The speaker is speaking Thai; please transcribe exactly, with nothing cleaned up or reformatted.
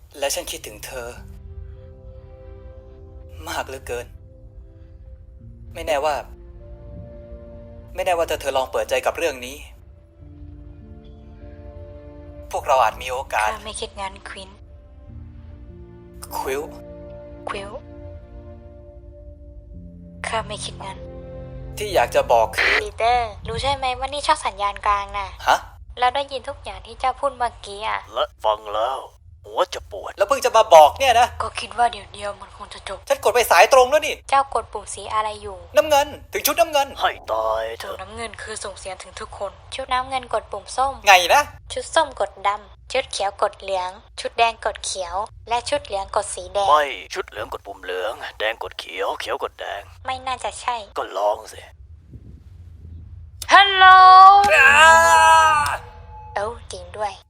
และฉันคิดถึงเธอมากเหลือเกินไม่แน่ว่าไม่แน่ว่าเธอเธอลองเปิดใจกับเรื่องนี้พวกเราอาจมีโอกาสข้าไม่คิดงั้นควินควิลควิลข้าไม่คิดงั้นที่อยากจะบอกคือปีเตอร์รู้ใช่ไหมว่านี่ชอบสัญญาณกลางน่ะฮะเราได้ยินทุกอย่างที่เจ้าพูดเมื่อกี้อ่ะและฟังแล้วหัวจะปวดแล้วเพิ่งจะมาบอกเนี่ยนะก็คิดว่าเดี๋ยวเดียวมันคงจะจบฉันกดไปสายตรงแล้วนี่เจ้ากดปุ่มสีอะไรอยู่น้ำเงินถึงชุดน้ำเงินให้ตายเถถุงอะน้ำเงินคือส่งเสียงถึงทุกคน ชุดน้ำเงินกดปุ่มส้มไงนะชุดส้มกดดำ ชุดเขียวกดเหลือง ชุดแดงกดเขียว และชุดเหลืองกดสีแดงไม่ชุดเหลืองกดปุ่มเหลือง แดงกดเขียว เขียวกดแดงไม่น่าจะใช่ก็ลองสิฮัลโหลเอ้าจริงด้วย